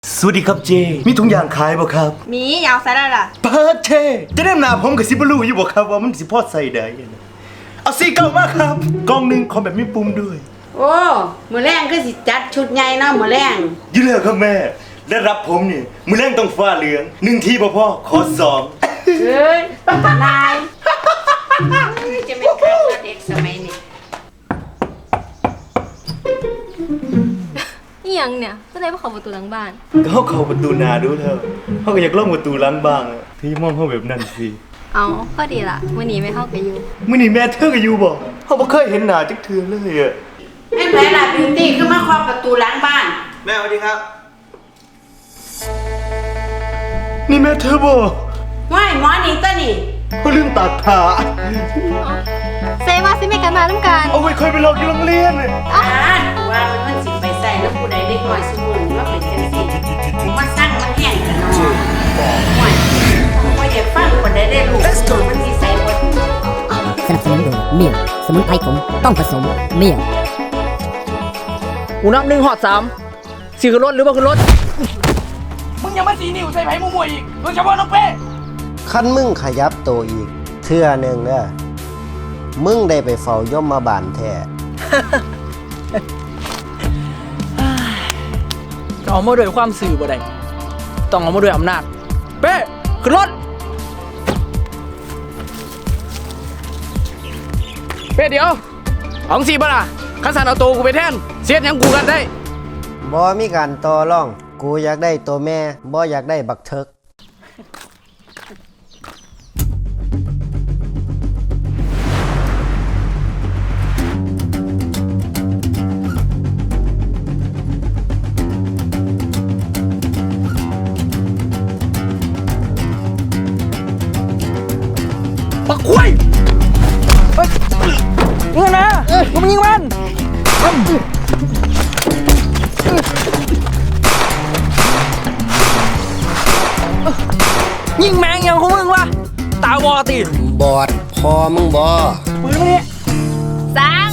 สวัสดีครับเจมีถุงยางขายบ่ครับมียาวใส่ได้ล่ะเปิดเจจะได้หนาผมกับสิบลูอยู่บ่ครับว่ามันสิพอใส่ได้เอาสีเก่ามากครับกล่องหนึ่งขอแบบมีปุ่มด้วยโอ้มื้อแรงคือสิจัดชุดใหญ่เนาะมื้อแรงอยู่แล้วครับแม่ได้รับผมนี่มือแรงต้องฟ้าเหลือง1ทีบ่พอขอ2 เฮ้ยนายจะเป็นใครนะเด็กสมัยนี้นี่ยังเนี่ยก็เลยมาขอประตูหลังบ้านก็เข้าประตูหน้าดูเถอะเขาก็อยากล่องประตูหลังบ้างพี่มองเขาแบบนั้นสิเอาก็ดีล่ะมื้อนี้ไม่เข้ากับอยู่มื้อนี้แม่เธอก็อยู่บ่เขาบ่เคยเห็นหน้าจักเทื่อเลยอ่ะแม่ไหนล่ะบิวตี้คือมาเคาะประตูหลังบ้านแม่สวัสดีครับนี่แม่เธอบ่ว้ายหมอนี่ตัวนี่เขาลืมตัดผ้าเซว่าสิไม่กันมาน้ำกันเอาไว้ค่อยไปลอกอยู่โรงเรียนว่ามันสิไปใส่แล้วผู้ใดเด็กน้อยซุมื้อว่าเป็นจังซี่มาสร้างมันแห้งกันเนาะว้ายบ่อยากฟังคนใดได้รู้มันสิใส่บ่สนับสนุนโดยเมี่ยงสมุนไพรขมต้องผสมเมี่ยงกูนับ1 ฮอด 3สิขึ้นรถหรือบ่ขึ้นรถมึงยังมาสีนิ้วใส่ไผ่มวยอีกโดยเฉพาะน้องเป้คันมึงขยับตัวอีกเทื่อหนึ่งเด้อมึงได้ไปเฝ้ายมมาบานแท้จะเอามาด้วยความสื่อบ่ได้ต้องเอามาด้วยอำนาจเป้ขึ้นรถเป้เดี๋ยวเอาสิบ่ล่ะคันสันเอาตัวกูไปแทนเสียดหยังกูกันได้บ่มีการต่อรองกูอยากได้ตัวแม่บ่อยากได้บักเทิกปักคุยเฮ้ยยิงนะกูมายิงมันยิงแมงอย่างของมึงวะตาบอดติบอดพอมึงบ่ปืนมาเนี่ยสาง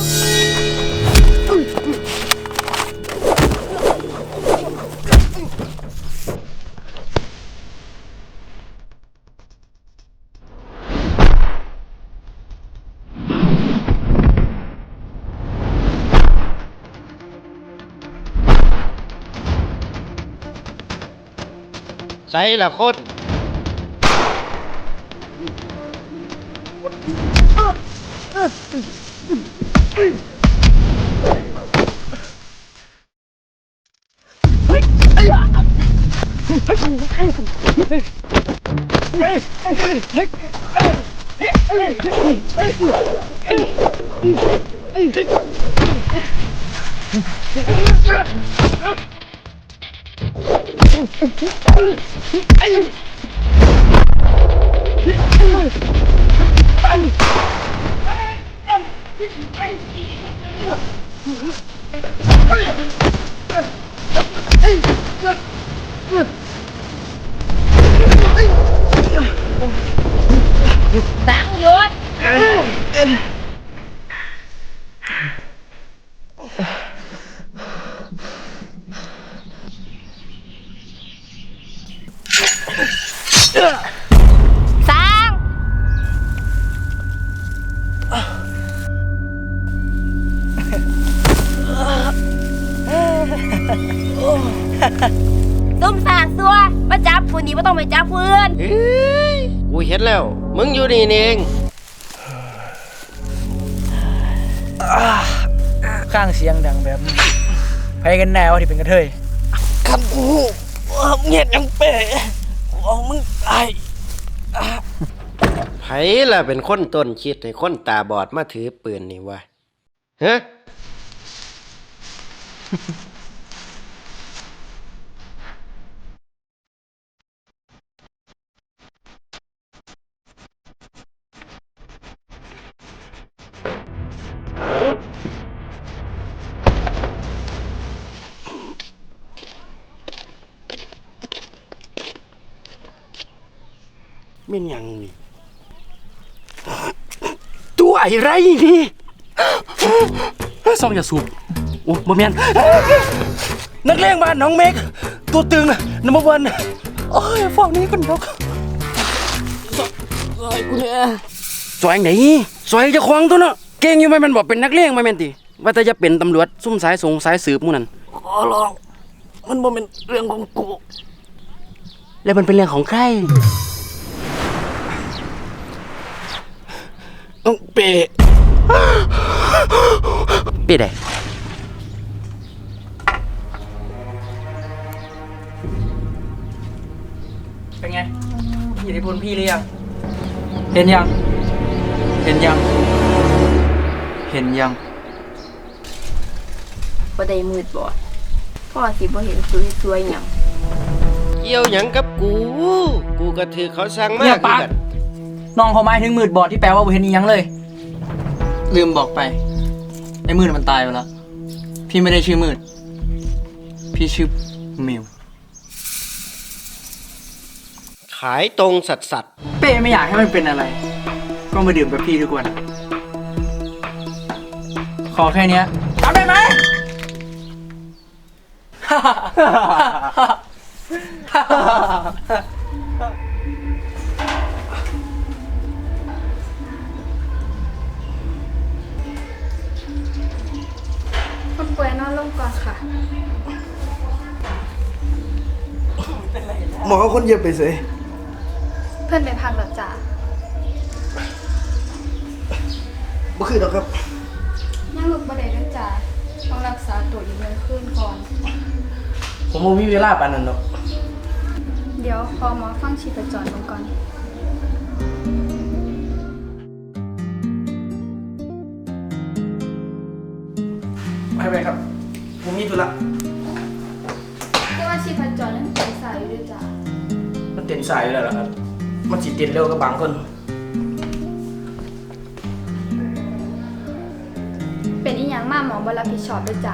ใส่ละคนสังหยุดสางส้มสางซัวมาจับผู้นี้ไม่ต้องไปจับเพื่อนกูเห็นแล้วมึงอยู่นี่เองข้างเสียงดังแบบนี้ไปกันแน่ว่าที่เป็นกระเทยคำกูเงียบยังเป๋มึงตายไผล่ะเป็นคนต้นคิดให้คนตาบอดมาถือปืนนี่วะฮะไม่ยังนี่ตัวอะไรนี่ซองอย่าสูบโอ้บ่แม่นนักเลงบ้านน้องเมกตัวตึงนะนัมเบอร์วันโอ้ยฝั่งนี้กันดอกซอยกูเนี่ยซอยไหนซอยเจ้าของตัวเนาะเก่งอยู่ไหมมันบอกเป็นนักเลงไหมแม่นติว่าแต่จะเป็นตำรวจซุ่มสายสงสายสืบหมู่นั่นขอร้องมันบ่เป็นเรื่องของกูแล้วมันเป็นเรื่องของใครเป้เป้ได้เป็นไงอิทธิพลพี่หรือยังเห็นยังเห็นยังเห็นยังบ่ได้มืดบอดพ่อสิบ่เห็นสวยๆหยังเกี่ยวหยังกับกู กูก็ถือเขาสั่งมาเนี่ยคือปากกันน้องเขาหมายถึงมืดบอดที่แปลว่าบ่เห็นอีหยังเลย ลืมบอกไปไอ้มืดมันตายไปแล้วพี่ไม่ได้ชื่อมืดพี่ชื่อมิวขายตรงสัตว์เป้ไม่อยากให้มันเป็นอะไร ก็มาดื่มกับพี่ทุกวัน ขอแค่เนี้ยทำได้ไหมคนป่วยนอนลงก่อนค่ะหมอเอาคนเย็บไปเสยเพื่อนไปพักแล้วจ้ะบ่คือดอกครับนั่งลุกบ่ได้ด้วยจ้ะต้องรักษาตัวอีก1 คืนก่อนผมบ่มีเวลาปานนั้นดอกเดี๋ยวพอหมอฟังชีพจรลงก่อนไปครับผมมีธุระแต่ว่าชีพจรนั้นใสายอยู่ด้วยจ้ะมันเต้นสายอยู่แล้วล่ะครับ มันสิเต้นเร็วกับบางคนเป็นอีหยังมาหมอบ่รับผิดชอบด้วยจ้ะ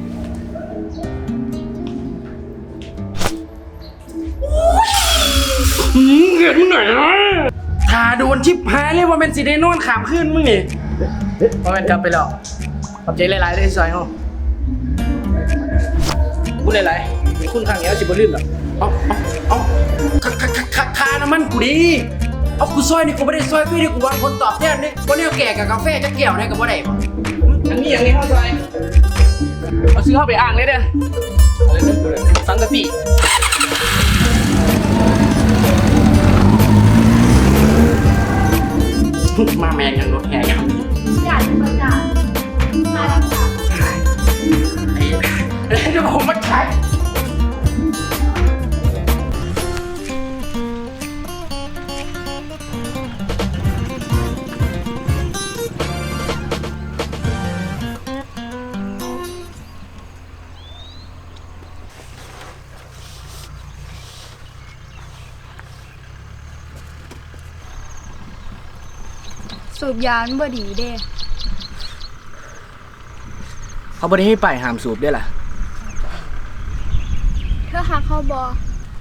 เกิดมึงหน่อยนะถ้าโดนชิบหายเลยว่าเป็นสิได้นอนขามขึ้นมึงนี่พอเป็นกลับไปแล้วขอบใจหลายๆเลยซอยเฮาพูดหลายๆมีคุณข้างเงี้ยสิบ่ลืมหรอกเอาคาน้ำมันกูดิเอากูซอยนี่กูไม่ได้ซอยพี่นี่กูวางคนตอบแทนนี่วันนี้เอาแก่กับกาแฟจะเกี่ยวได้กับว่าได้บ่อันนี้อย่างนี้เข้าซอยเอาซื้อเข้าไปอ่างเลยเด้อสังกะสีมาแมงยังรถแห่ยังอยากจะจ้ะมาแล้วจ้ะเดี๋ยวผมมาใช้สูบยามันบ่ดีเด้เขาไม่ได้ให้ไปห้ามสูบด้วยล่ะเธอหักเฮาบ่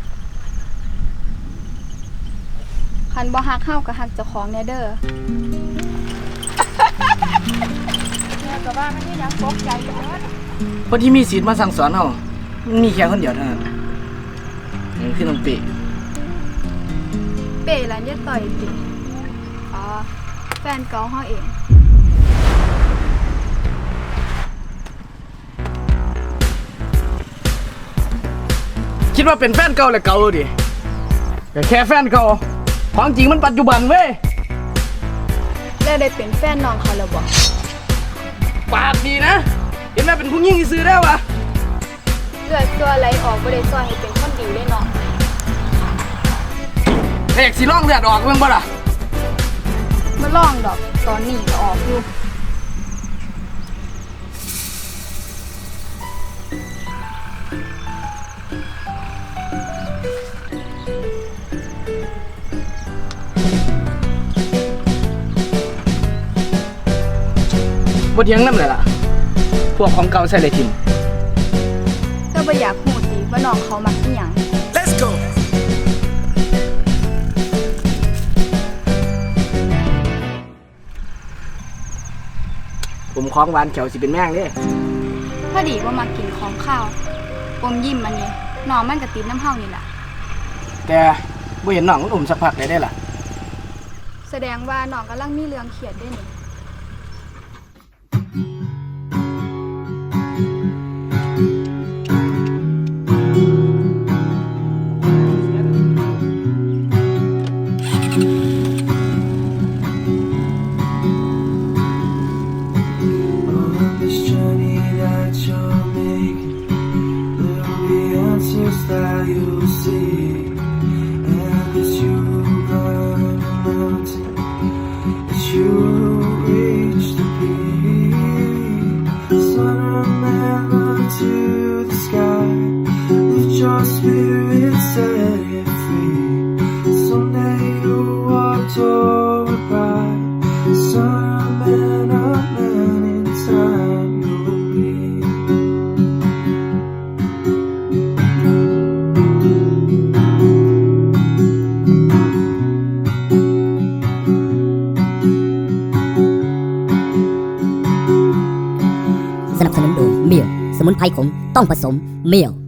คันบ่หักเฮาก็หักเจ้าของแน่เด้อเนี่ยก็ว่ามันนี่ยังตกใจอยู่เด้อคนที่มีสิทธิ์มาสั่งสอนเรามันมีแค่คนเดียวเท่านั้นนี่คือน้องปีเป๋ร้านยายต่อยติอ๋อแฟนเก่าเฮาเองคิดว่าเป็นแฟนเก่าเลยเก่าดิแต่แค่แฟนเก่าของจริงมันปัจจุบันเว้ยแล้วได้เป็นแฟนน้องเขาแล้วบ่ปากดีนะ เห็นไหมเป็นผู้หญิงที่ซื้อได้วะเลือดตัวไหลออกบ่ได้ซอยให้เป็นคนดีเลยเนาะแต่อยากสิล่องเลือดออกเบิ่งบ่ล่ะมาลองดอกตอนนี้ก็ออกอยู่บ่เถียงนำเลยล่ะ พวกของเก่าใส่เลยทิมก็บ่อยากฮู้ติว่าน้องเขามักอีหยัง Let's go ผมของหวานเขียวสิเป็นแม่งเด้พอดีว่ามากินของข้าวอมยิ้มมันนี่น้องมันก็ติดน้ำเฮานี่ล่ะแต่บ่เห็นน้องมันอุ้มสักพักได้ล่ะแสดงว่าน้องกำลังมีเรื่องเครียดด้วยนี่ On this journey that you're making, there'll be answers that you'll see. And as you climb a mountain, as you reach the peak, sun and man to the sky, lift your spirit, set it free. Someday you'll walk toward pride. Son of man in time you will be. สนับสนุนโดยเมียวสมุนไพรขมต้องผสมเมียว